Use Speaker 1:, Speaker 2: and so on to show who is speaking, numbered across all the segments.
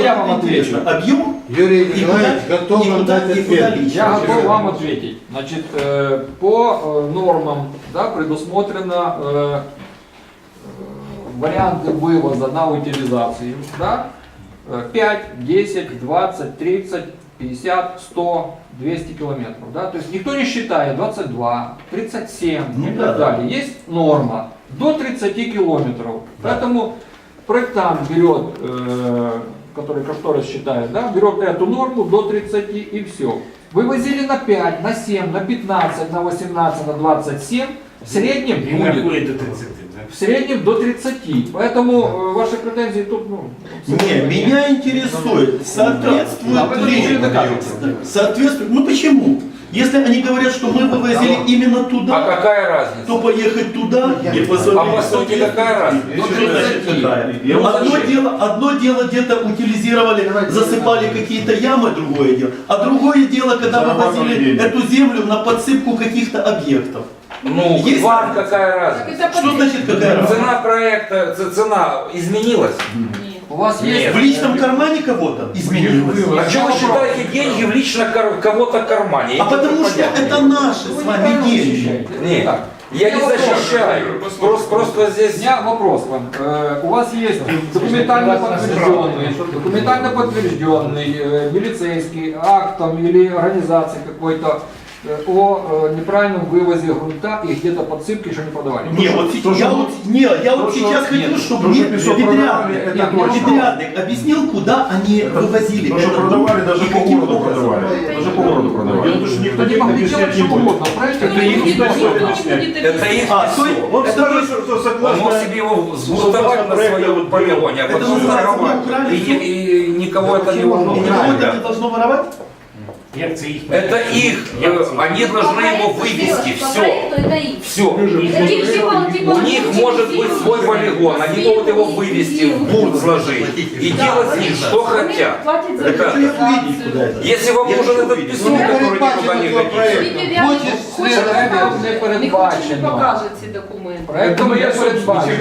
Speaker 1: я вам отвечу.
Speaker 2: Объем?
Speaker 3: Юрий Николаевич готов вам дать ответ.
Speaker 1: Я готов вам ответить. Значит, по нормам, да, предусмотрено варианты вывоза на утилизацию, да, 5, 10, 20, 30, 50, 100, 200 километров, да, то есть никто не считает 22, 37 и так далее. Есть норма до 30 километров, поэтому проектант берет, который кошторис считает, да, берет эту норму до 30 и все. Вывозили на 5, на 7, на 15, на 18, на 27, в среднем будет. В среднем до 30. Поэтому ваши претензии тут, ну...
Speaker 2: Не, меня интересует, соответствует, ну почему? Если они говорят, что мы вывозили именно туда,
Speaker 4: А какая разница?
Speaker 2: то поехать туда и
Speaker 4: А
Speaker 2: позвонить.
Speaker 4: по сути какая разница?
Speaker 2: Одно дело где-то утилизировали, засыпали какие-то ямы, другое дело. А другое дело, когда вывозили эту землю на подсыпку каких-то объектов.
Speaker 4: Ну,
Speaker 2: Есть
Speaker 4: вам
Speaker 2: разница?
Speaker 4: какая разница?
Speaker 2: Что значит какая разница?
Speaker 4: Цена проекта, цена изменилась?
Speaker 1: У вас есть...
Speaker 2: В личном кармане кого-то изменилось?
Speaker 4: А что вы считаете деньги в лично кого-то кармане?
Speaker 2: А потому что это наши с вами деньги.
Speaker 4: Нет, я не защищаю. Просто
Speaker 1: У
Speaker 4: здесь...
Speaker 1: меня вопрос к вам. У вас есть документально подтвержденный милицейский актом или организацией какой-то о неправильном вывозе грунта и где-то подсыпки еще не подавали?
Speaker 2: Не, вот я вот сейчас хочу, чтобы мне подрядник объяснил, куда они вывозили.
Speaker 5: То, что продавали, даже по городу продавали. Даже по городу продавали. Это же никто
Speaker 1: Они
Speaker 5: не
Speaker 1: могли делать
Speaker 5: объяснять не
Speaker 1: что
Speaker 5: будет.
Speaker 1: угодно, правильно?
Speaker 4: Это их Это их
Speaker 2: То есть,
Speaker 5: Он
Speaker 4: Это
Speaker 5: скажет,
Speaker 4: их-
Speaker 5: что
Speaker 4: Он
Speaker 5: согласно...
Speaker 4: мог себе его сбудовать на своем полигоне, а
Speaker 2: Это
Speaker 4: потом
Speaker 2: называется,
Speaker 4: воровать.
Speaker 2: мы украли
Speaker 4: И никого это не
Speaker 2: и никого
Speaker 4: волнует.
Speaker 2: это не должно воровать?
Speaker 4: Это их, они должны его вывести, все. Все. У них может быть свой полигон, они могут его вывести, в бурт сложить и делать с ним что хотят. Ребята, если вам нужен этот песок, который никуда не годится,
Speaker 1: Проектом не передбачено.
Speaker 6: покажет ці документи.
Speaker 1: Проектом не передбачено.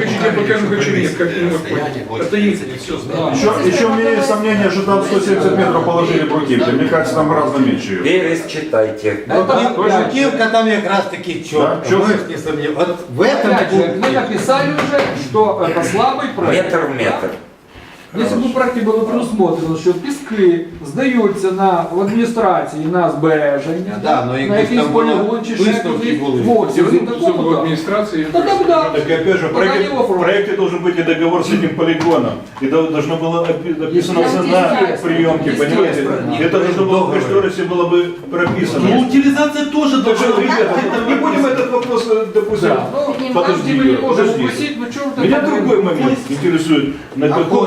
Speaker 5: Это еще у меня есть сомнение, что там 170 метров положили бруківки. Мне кажется, там гораздо меньше.
Speaker 4: Верес читайте.
Speaker 3: Бруківка там якраз таки
Speaker 5: Да,
Speaker 3: чітко. Можешь не сомневаться. Вот в этом
Speaker 1: Опять же, мы
Speaker 3: пункте.
Speaker 1: написали уже, что это слабый проект.
Speaker 4: Метр в метр.
Speaker 1: Если бы в проекте было предусмотрено, що піски здаються в адміністрації на збереження,
Speaker 3: Да, но
Speaker 1: на якийсь полігон чи ще
Speaker 3: висновки
Speaker 1: кудись,
Speaker 3: були.
Speaker 1: вот,
Speaker 7: Все в
Speaker 1: такого,
Speaker 7: администрации.
Speaker 1: то тогда,
Speaker 5: Так опять же, в проекте должен быть и договор с этим полигоном. И должно было написано цена приемки, понимаете? Это должно было в кошторисе было бы
Speaker 2: Ну,
Speaker 5: прописано.
Speaker 2: утилизация тоже
Speaker 5: Так
Speaker 2: должна
Speaker 5: что,
Speaker 2: быть.
Speaker 5: ребята, не будем этот вопрос, допустим,
Speaker 1: да, ну,
Speaker 5: подожди,
Speaker 1: мы не можем
Speaker 5: подожди.
Speaker 1: упустить, ну что вы
Speaker 5: Меня
Speaker 1: так
Speaker 5: другой момент интересует. На каком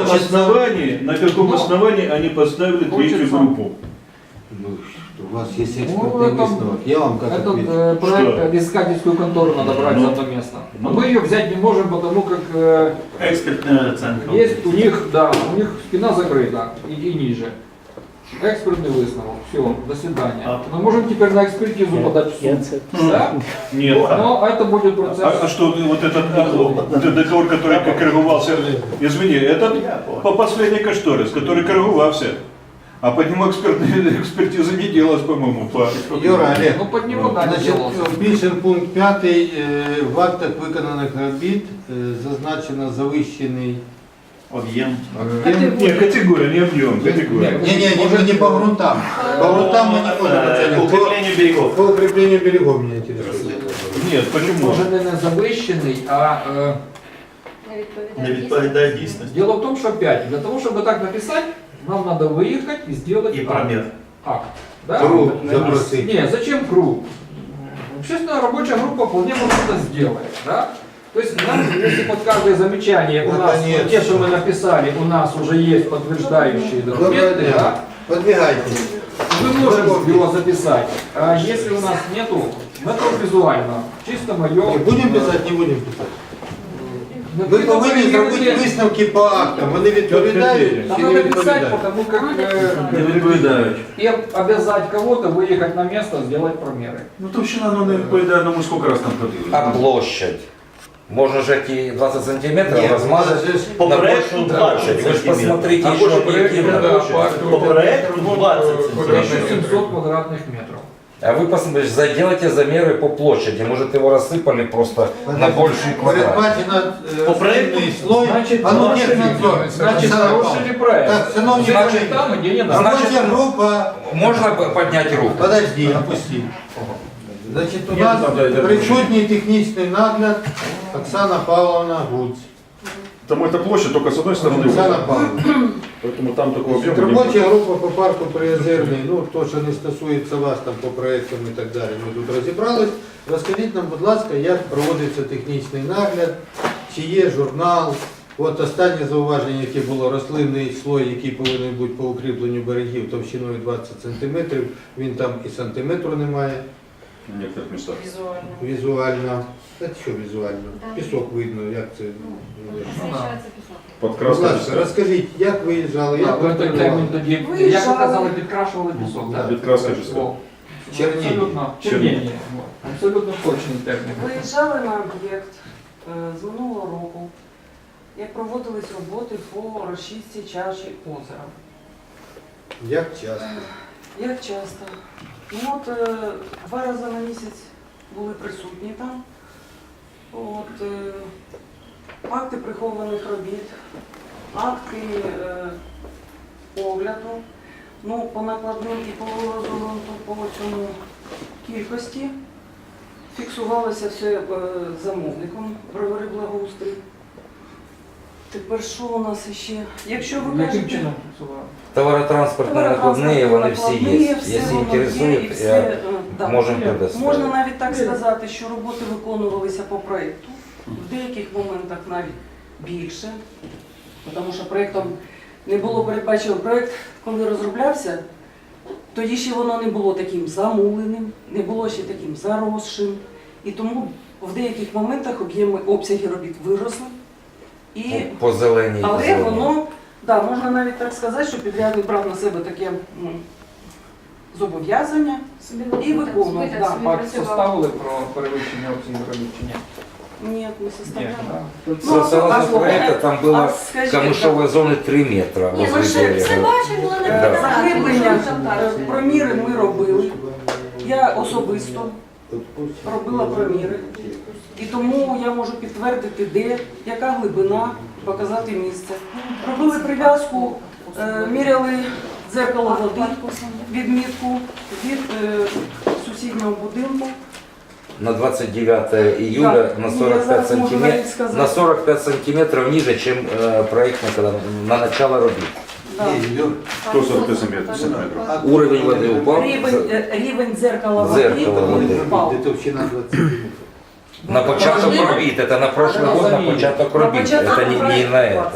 Speaker 5: основании они поставили третью группу?
Speaker 3: Ну, что у вас есть
Speaker 1: Ну,
Speaker 3: экспертный
Speaker 1: это-
Speaker 3: высновок. Я вам как
Speaker 1: Этот
Speaker 3: ответил.
Speaker 1: проект, искательскую контору надо брать за одно место. Но мы ее взять не можем, потому как
Speaker 2: Экспертная оценка.
Speaker 1: есть у них спина закрыта и ниже. Экспертный высновок. Все, до свидания. Мы можем теперь на экспертизу подать в суд. Да?
Speaker 5: Нет.
Speaker 1: Но это будет процесс.
Speaker 5: А что вот этот договор, который коррегувался, извини, это по последний кошторис, который коррегувался. А по нему экспертиза не делалась, по-моему.
Speaker 3: Юра, Олег,
Speaker 1: Ну под него, да, не
Speaker 3: значить,
Speaker 1: делался.
Speaker 3: пишем пункт 5. В актах виконаних робіт зазначено завищений
Speaker 2: Объем.
Speaker 3: об'єм.
Speaker 5: Нет, категория, не объем, категория.
Speaker 3: Не по грунтам. По грунтам мы не можем оценивать.
Speaker 2: Укрепление берегов.
Speaker 3: По укреплению берегов меня интересует.
Speaker 5: Нет, почему?
Speaker 1: Може не завищений, а
Speaker 2: Не відповідає дійсності.
Speaker 1: дело в том, что опять, для того, чтобы так написать, нам надо выехать и сделать
Speaker 2: І промір.
Speaker 1: акт. Да?
Speaker 3: Круг забросить.
Speaker 1: Не, зачем круг? Общественная рабочая группа вполне может это сделать. Да? То есть, нам, если под каждое замечание у
Speaker 3: Это
Speaker 1: нас,
Speaker 3: нет.
Speaker 1: те, что мы написали, у нас уже есть подтверждающие документы, да?
Speaker 3: Подвигайте.
Speaker 1: мы можем его записать. А если у нас нету, это визуально, чисто мое.
Speaker 3: Не будем писать, не будем писать.
Speaker 1: Ну,
Speaker 3: Ви повинні зробити висновки по актам. Вони відповідають
Speaker 1: Там
Speaker 3: чи не
Speaker 1: надо писать,
Speaker 3: відповідають?
Speaker 1: потому как
Speaker 5: Не відповідають.
Speaker 1: и обязать кого-то выехать на место, сделать промеры.
Speaker 5: Ну товщина, ну не відповідає, ну ми скільки раз там ходили.
Speaker 4: А площадь? Можно же эти 20 сантиметров
Speaker 3: Нет,
Speaker 4: размазать
Speaker 3: у нас же
Speaker 2: по
Speaker 4: на
Speaker 2: проекту
Speaker 4: большую
Speaker 2: 20
Speaker 4: площадь. Вы же
Speaker 2: сантиметров.
Speaker 4: посмотрите
Speaker 1: А
Speaker 4: еще
Speaker 1: по проекту,
Speaker 4: объективно.
Speaker 1: да,
Speaker 2: По проекту 20 сантиметров.
Speaker 1: 1700 квадратных метров.
Speaker 4: А вы посмотрите, заделайте замеры по площади. Может, его рассыпали просто на больший квадрат.
Speaker 3: Передбачено
Speaker 2: По проекту,
Speaker 3: слой.
Speaker 1: значит,
Speaker 3: А ну,
Speaker 1: хороший
Speaker 3: нет,
Speaker 1: ребенок. Значит, хороший проект.
Speaker 3: Так, шановні
Speaker 1: Значит,
Speaker 3: колеги,
Speaker 1: там, где не надо.
Speaker 4: Значит,
Speaker 3: робоча група.
Speaker 4: Можно поднять руку?
Speaker 3: Подожди, опусти. Значить, у
Speaker 5: Ні,
Speaker 3: нас
Speaker 5: там, де-
Speaker 3: присутній технічний нагляд Оксана Павловна Гуць.
Speaker 5: Там эта площадь только с одной стороны.
Speaker 3: Оксана Павловна.
Speaker 5: Поэтому там такого объема не
Speaker 3: Робоча
Speaker 5: будет.
Speaker 3: група по парку Приозерний, ну то, що не стосується вас там по проєктам і так далі, ми тут розібрались. Розкажіть нам, будь ласка, як проводиться технічний нагляд, чи є журнал. От останнє зауваження, яке було, рослинний слой, який повинен бути по укріпленню берегів товщиною 20 см, він там і сантиметру немає.
Speaker 5: В некоторых местах.
Speaker 3: Візуально. Та що візуально? Пісок видно, як це.
Speaker 5: Под
Speaker 3: Будь
Speaker 5: краской.
Speaker 3: ласка, розкажіть, як виїжджали, як
Speaker 1: В этот термін тоді, як
Speaker 6: Виїжджали.
Speaker 1: ви казали, підкрашували пісок.
Speaker 5: Да, підкраска чиста.
Speaker 1: О,
Speaker 3: Черніння.
Speaker 1: Абсолютно, черніння. Вот. Абсолютно точний термін.
Speaker 6: Виїжджали на об'єкт з минулого року, як проводились роботи по розчистці чаші озера.
Speaker 3: Як часто?
Speaker 6: Як часто? Ну от 2 рази на місяць були присутні там. От, акти прихованих робіт, акти огляду, ну, по накладним і по розгорнуту по цьому кількості. Фіксувалося все замовником бровари благоустрій. Тепер що у нас ще? Якщо ви
Speaker 1: Яким
Speaker 6: кажете,
Speaker 1: чином працювали?
Speaker 4: Товаротранспортные накладные, вони всі є. Якщо інтересують, я можемо предоставити.
Speaker 6: Можна навіть так сказати, що роботи виконувалися по проєкту, в деяких моментах навіть більше, тому що проєктом не було передбачено. Проєкт, коли розроблявся, тоді ще воно не було таким замуленим, не було ще таким заросшим, і тому в деяких моментах обсяги робіт виросли. І
Speaker 4: По зеленій.
Speaker 6: але воно, да, можна навіть так сказати, що підрядник брав на себе таке зобов'язання і виконував. Да.
Speaker 1: Акт составили про перевищення обсягів робіт чи ні?
Speaker 6: Ні, не
Speaker 1: Ні,
Speaker 6: составляли.
Speaker 1: да.
Speaker 4: Согласно проекта, там
Speaker 6: а
Speaker 4: было
Speaker 6: скажіть,
Speaker 4: камышовой зоны 3 метра
Speaker 7: Ні,
Speaker 4: возле
Speaker 7: ми ще все
Speaker 4: берега.
Speaker 7: бачимо, але не
Speaker 4: Да.
Speaker 7: пам'ятаємо.
Speaker 6: Заглиблення, проміри ми робили. Я особисто робила проміри. І тому я можу підтвердити, де, яка глибина, показати місце. Робили прив'язку, міряли дзеркало води, відмітку від сусіднього будинку.
Speaker 4: На 29 июля
Speaker 6: Да.
Speaker 4: на
Speaker 6: Я
Speaker 4: 45
Speaker 6: зараз можу навіть
Speaker 4: сантиметров,
Speaker 6: сказати.
Speaker 4: на 45 сантиметров ниже, чем проектно, когда на начало робіт.
Speaker 6: Да.
Speaker 5: Кто 45 сантиметров?
Speaker 4: Уровень воды упал.
Speaker 6: Рівень дзеркала води
Speaker 4: Дзеркало води.
Speaker 6: впав.
Speaker 3: Де товщина 20 см.
Speaker 4: На початок робіт, это на прошлый год на початок робіт,
Speaker 6: початок
Speaker 4: это не
Speaker 6: робіт.
Speaker 4: на это.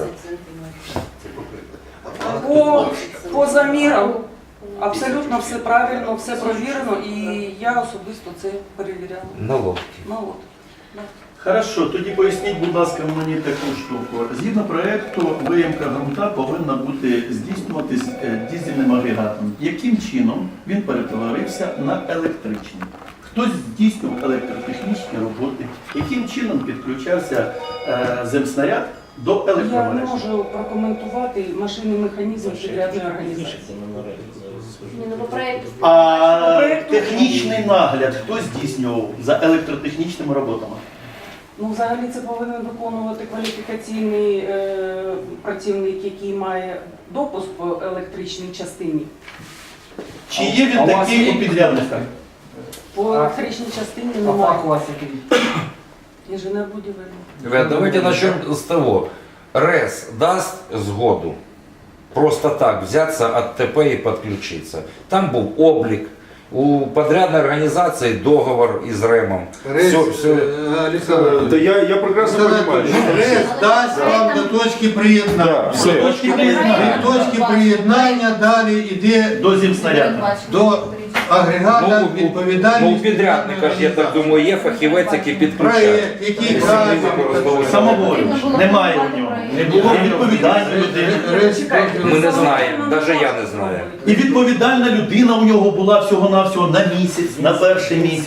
Speaker 6: По замірам абсолютно все правильно, все провірено, і я особисто це перевіряла.
Speaker 4: На лодке.
Speaker 6: Ну, от.
Speaker 2: Хорошо, тоді поясніть, будь ласка, мені таку штуку. Згідно проєкту, виїмка ґрунта повинна бути здійснюватись дизельним агрегатом. Яким чином він перетворився на електричний? Хтось здійснював електротехнічні роботи? Яким чином підключався земснаряд до
Speaker 6: Я не
Speaker 2: електромережі?
Speaker 6: можу прокоментувати машинний механізм підрядної організації.
Speaker 7: Ні, ну, по проекту.
Speaker 2: А технічний нагляд хто здійснював за електротехнічними роботами?
Speaker 6: Ну, взагалі це повинен виконувати кваліфікаційний працівник, який має допуск по електричній частині.
Speaker 2: Чи є він
Speaker 1: А у вас
Speaker 2: такий
Speaker 1: є
Speaker 2: у підрядника?
Speaker 6: По електричній частині
Speaker 1: А фах у
Speaker 6: немає.
Speaker 1: вас який?
Speaker 6: Інженер будівельний.
Speaker 4: Ребят, давайте начнем с того. РЭС даст сгоду просто так взяться от ТП и подключиться. Там был облик, у подрядной организации договор из РЭМом. Все.
Speaker 3: Олександр,
Speaker 5: Да я прекрасно понимаю.
Speaker 3: РЕС дасть вам до точки приєднання.
Speaker 5: Да, все.
Speaker 2: Точки приєднання.
Speaker 3: Від точки приєднання далі йде
Speaker 2: До земснаряду.
Speaker 3: до агрегата
Speaker 4: Ну, у
Speaker 3: відповідальність.
Speaker 4: підрядника ж, я так думаю, є фахівець, який підключає.
Speaker 3: Проєкт, який каже,
Speaker 2: Самоволі. Немає у нього. Не було відповідальної людини.
Speaker 4: Ми не знаємо, навіть я не знаю.
Speaker 2: І відповідальна людина у нього була всього-навсього на місяць, на перший місяць.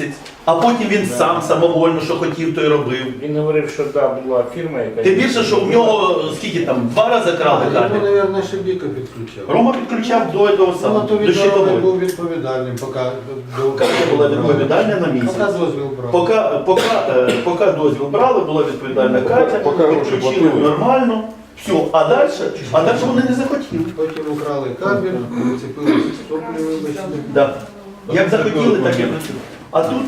Speaker 2: а потім він сам самовольно, що хотів, то й робив.
Speaker 8: Він говорив, що да, була фірма, яка...
Speaker 2: Тим більше, що в нього скільки там, 2 рази крали
Speaker 3: Йому,
Speaker 2: кабель.
Speaker 3: мабуть, Шебіка підключав.
Speaker 2: Рома підключав до того
Speaker 3: Ну,
Speaker 2: самого,
Speaker 3: то
Speaker 2: до
Speaker 3: він
Speaker 2: щитової.
Speaker 3: був відповідальним, поки...
Speaker 2: Катя була відповідальна на місяць.
Speaker 3: Поки дозвіл брав.
Speaker 2: Поки дозвіл брали, була відповідальна Катя,
Speaker 5: поки гроші
Speaker 2: підключили
Speaker 5: платили.
Speaker 2: нормально, все, а далі вони не захотіли.
Speaker 3: Потім украли кабель, прицепили соплі, вибачте.
Speaker 2: Да. Як захотіли, так і працювали. А тут,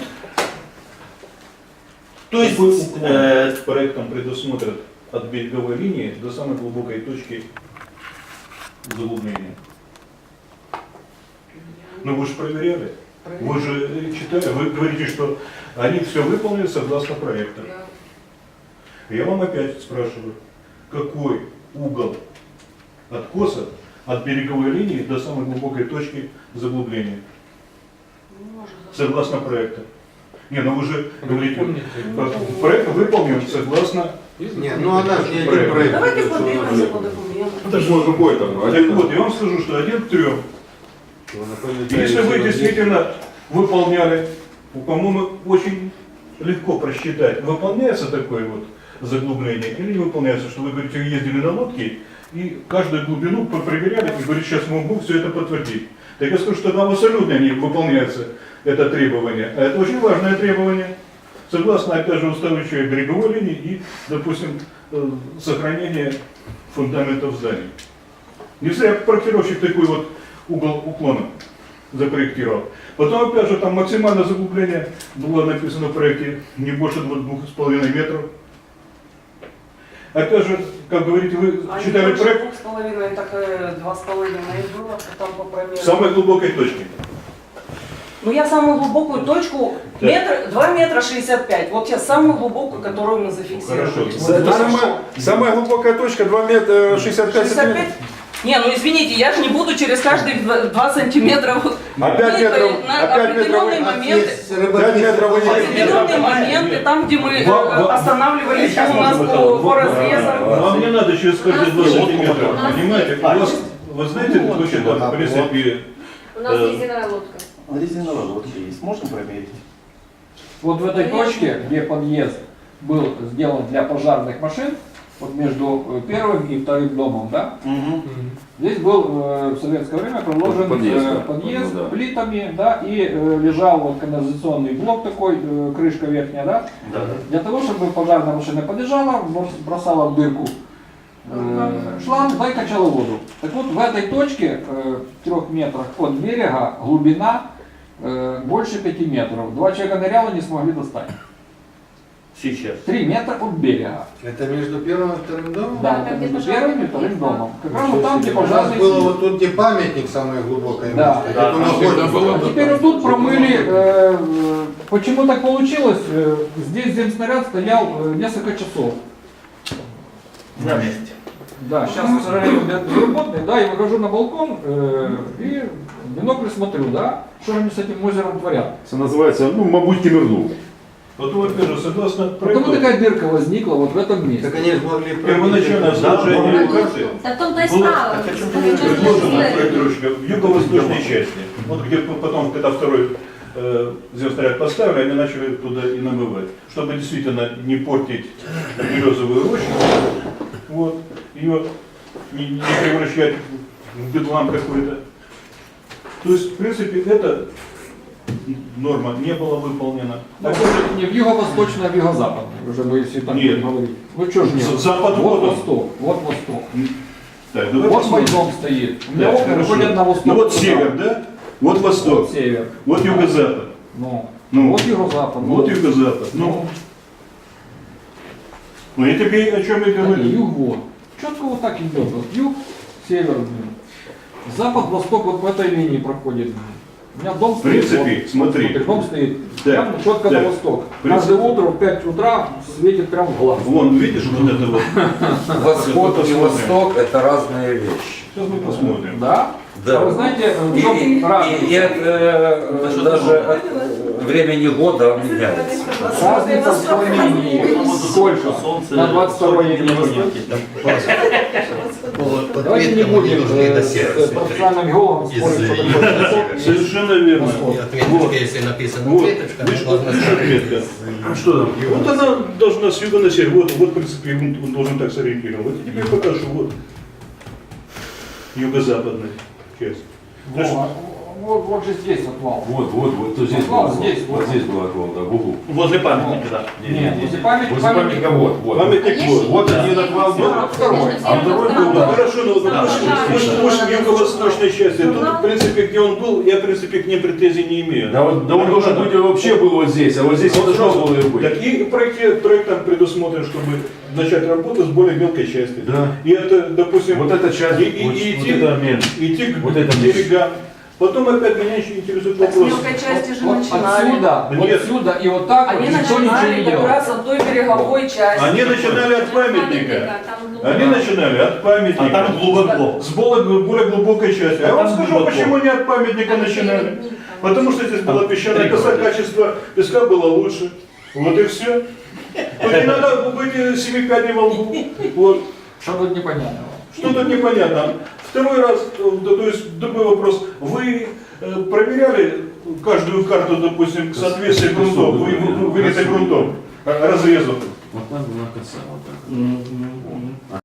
Speaker 2: то есть,
Speaker 5: Проектом предусмотрят от береговой линии до самой глубокой точки заглубления. Ну вы же проверяли. Вы же читали, вы говорите, что они все выполнили согласно проекту. Я вам опять спрашиваю, какой угол откоса от береговой линии до самой глубокой точки заглубления? Согласно проекту. Не, ну вы же говорите, проект выполнен согласно...
Speaker 3: Ні, ну вона ж не один проєкт.
Speaker 6: Давайте подивимося по документам.
Speaker 5: Это же какой там? Так вот, я вам скажу, что 1 к 3. Если вы действительно выполняли, по-моему, очень легко просчитать, выполняется такое вот заглубление или не выполняется, что вы говорите, вы ездили на лодке и каждую глубину проверяли и говорите, сейчас мы могу все это подтвердить. Так я скажу, что там абсолютно не выполняется это требование. А это очень важное требование. Согласно, опять же, устойчивой береговой линии и, допустим, сохранение фундаментов зданий. Не зря проектировщик такой вот угол уклона запроектировал. Потом, опять же, там максимальное заглубление было написано в проекте не больше 2,5 метров. Опять же, как говорите, вы
Speaker 6: А
Speaker 5: читали
Speaker 6: не больше
Speaker 5: проект
Speaker 6: 2,5, так 2,5 и было, там по промеру.
Speaker 5: в самой глубокой точке.
Speaker 6: Ну я самую глубокую точку,
Speaker 5: Да.
Speaker 6: 2 метра 65, вот я самую глубокую, которую мы зафиксировали.
Speaker 5: Хорошо.
Speaker 9: Самая глубокая точка 2 метра 65
Speaker 6: 65? Не, ну извините, я же не буду через каждые 2 сантиметра вот,
Speaker 9: Опять
Speaker 6: нет,
Speaker 9: метров,
Speaker 6: на
Speaker 9: опять метров,
Speaker 6: определенные моменты.
Speaker 9: 5 метров вы не
Speaker 6: Определенные моменты, там, где мы останавливались у нас по разрезам.
Speaker 5: Вам не надо через каждые 2 сантиметра, понимаете? У вас, вы знаете, точно, в принципе,
Speaker 7: У нас резиновая лодка.
Speaker 2: резиновая лодка есть, можно проверить?
Speaker 1: Вот в этой точке, где подъезд был сделан для пожарных машин, вот между первым и вторым домом, да, здесь был в советское время проложен подъезд
Speaker 4: Да.
Speaker 1: плитами, да, и лежал вот канализационный блок такой, крышка верхняя, да,
Speaker 2: Да.
Speaker 1: для того, чтобы пожарная машина подъезжала, бросала в дырку шланг, да, и качала воду. Так вот, в этой точке, 3 метрах от берега, глубина больше 5 метров. 2 человека ныряло, не смогли достать.
Speaker 2: Сейчас.
Speaker 1: 3 метра от берега.
Speaker 3: Это между первым и вторым домом?
Speaker 1: Да,
Speaker 7: там,
Speaker 1: это
Speaker 7: где
Speaker 1: между
Speaker 7: пожарный
Speaker 1: первым и вторым
Speaker 7: подъезд,
Speaker 1: домом. Как раз
Speaker 3: Ничего
Speaker 1: вот там,
Speaker 3: себе.
Speaker 1: где
Speaker 3: У нас
Speaker 1: пожарный
Speaker 3: было
Speaker 1: съезд.
Speaker 3: вот тут, где памятник самое глубокое
Speaker 1: Да.
Speaker 3: место.
Speaker 2: Да,
Speaker 3: Это
Speaker 2: там
Speaker 3: находится.
Speaker 4: было.
Speaker 1: А теперь вот тут промыли, почему так получилось, здесь земснаряд стоял несколько часов.
Speaker 2: На месте.
Speaker 1: Да, сейчас, к сожалению, безработный, да, я выхожу на балкон и в бинокль смотрю, да, что они с этим озером творят.
Speaker 9: Это называется, ну, мабуть, кимернул.
Speaker 5: потом, опять же, согласно
Speaker 1: Потому
Speaker 5: проекту,
Speaker 1: такая дырка возникла вот в этом месте.
Speaker 3: Так они же могли
Speaker 5: первоначальное
Speaker 3: пробить.
Speaker 5: сложение карты
Speaker 7: Да в том-то и
Speaker 2: Было-
Speaker 7: справа.
Speaker 2: так о чем
Speaker 7: Так
Speaker 2: ты
Speaker 7: и чувствуешь,
Speaker 5: предложено
Speaker 7: что-
Speaker 5: проектировщика в юго-восточной части. Вот где потом, когда второй земснаряд поставили, они начали туда и намывать. Чтобы действительно не портить березовую рощу, вот, ее не превращать в бедлам какой-то. То есть, в принципе, эта норма не была выполнена.
Speaker 1: Ну, может, не в юго-восточный, а в юго-западный, уже бы если так
Speaker 5: Нет.
Speaker 1: говорить. Ну что ж нет?
Speaker 5: Запад
Speaker 1: Вот
Speaker 5: вот он.
Speaker 1: восток, вот восток.
Speaker 5: Так, давай
Speaker 1: Вот мой
Speaker 5: посмотрим.
Speaker 1: дом стоит. У меня
Speaker 5: Да,
Speaker 1: окна
Speaker 5: хорошо.
Speaker 1: выходят на восток.
Speaker 5: Ну вот
Speaker 1: туда.
Speaker 5: север, да? Вот восток,
Speaker 1: Вот север.
Speaker 5: вот юго-запад.
Speaker 1: Ну,
Speaker 5: Ну,
Speaker 1: вот юго-запад.
Speaker 5: вот юго-запад. Ну, ну я тебе о чем и
Speaker 1: Да не,
Speaker 5: говорю.
Speaker 1: юг вот. Четко вот так идет. Вот юг, север, запад, восток вот в этой линии проходит. У меня дом
Speaker 5: В
Speaker 1: стоит.
Speaker 5: принципе,
Speaker 1: вот,
Speaker 5: смотри.
Speaker 1: дом стоит
Speaker 5: Да,
Speaker 1: прямо четко
Speaker 5: да.
Speaker 1: на восток.
Speaker 5: В принципе.
Speaker 1: Каждое утро в 5 утра светит прям в глаз.
Speaker 5: Вон, видишь, вот это вот.
Speaker 4: Восход и восток – это разные вещи.
Speaker 5: Сейчас мы посмотрим.
Speaker 1: Да?
Speaker 4: Да.
Speaker 1: А вы знаете, в
Speaker 4: И,
Speaker 1: чем разница?
Speaker 4: и от, даже от времени года он меняется.
Speaker 1: Разница в склонении. Сколько? На 22 я не понял. Давайте не будем с профессиональным геологом спорить, что такое высот.
Speaker 5: Совершенно верно.
Speaker 10: Отметочка, если написано
Speaker 5: Вот,
Speaker 10: отметочка,
Speaker 5: видишь,
Speaker 10: она должна
Speaker 5: вот отметка. Что там? Вот она должна с юга на север. Вот, в принципе, он должен так сориентировать. Вот теперь покажу. Вот юго-западная часть.
Speaker 1: Вот же здесь вот вал.
Speaker 9: Вот, то здесь
Speaker 1: Отвал
Speaker 9: был,
Speaker 1: здесь,
Speaker 9: вот здесь был отвал, да, в углу.
Speaker 2: Возле памятника, да.
Speaker 1: Нет, возле
Speaker 9: Возле
Speaker 1: памятника
Speaker 9: памятника вот.
Speaker 5: Памятник вот.
Speaker 9: Вот один отвал был,
Speaker 1: второй.
Speaker 9: а второй был,
Speaker 5: Ну,
Speaker 9: да.
Speaker 5: хорошо, но пусть в юго-восточной части. Тут, в принципе, где он был, я, в принципе, к ним претензий не имею.
Speaker 9: Да, он должен быть вообще был вот здесь, а вот здесь не должно было и быть.
Speaker 5: Так и проектом предусмотрен, чтобы начать работу с более мелкой части.
Speaker 9: Да.
Speaker 5: И это, допустим,
Speaker 9: Вот эта часть,
Speaker 5: и
Speaker 9: вот
Speaker 5: идти,
Speaker 9: это меньше.
Speaker 5: идти к
Speaker 9: Вот это
Speaker 5: берегам. Потом опять меня еще интересует
Speaker 6: Так с
Speaker 5: вопрос.
Speaker 6: мелкой части же
Speaker 1: Вот
Speaker 6: начинали.
Speaker 1: отсюда, вот
Speaker 5: Нет.
Speaker 1: отсюда и вот так вот
Speaker 6: Они
Speaker 1: никто ничего не
Speaker 6: начинали
Speaker 1: делал.
Speaker 6: добираться до той береговой части.
Speaker 5: Они начинали от памятника.
Speaker 7: Там
Speaker 5: Они начинали от памятника.
Speaker 2: А там глубоко.
Speaker 5: С более глубокой части. А я вам
Speaker 2: там
Speaker 5: скажу,
Speaker 2: глубоко.
Speaker 5: почему не от памятника начинали. Потому что здесь была песчаная
Speaker 2: три
Speaker 5: коса,
Speaker 2: километра.
Speaker 5: качество песка было лучше. Вот и все. Тут не надо быть 7 пядей во лбу. Вот.
Speaker 1: Что тут непонятного?
Speaker 5: Что тут непонятно? Второй раз, то есть другой вопрос. Вы проверяли каждую карту, допустим, к соответствию грунтов, вырезать грунтом, разрезов?
Speaker 9: Вот там была коса, вот так.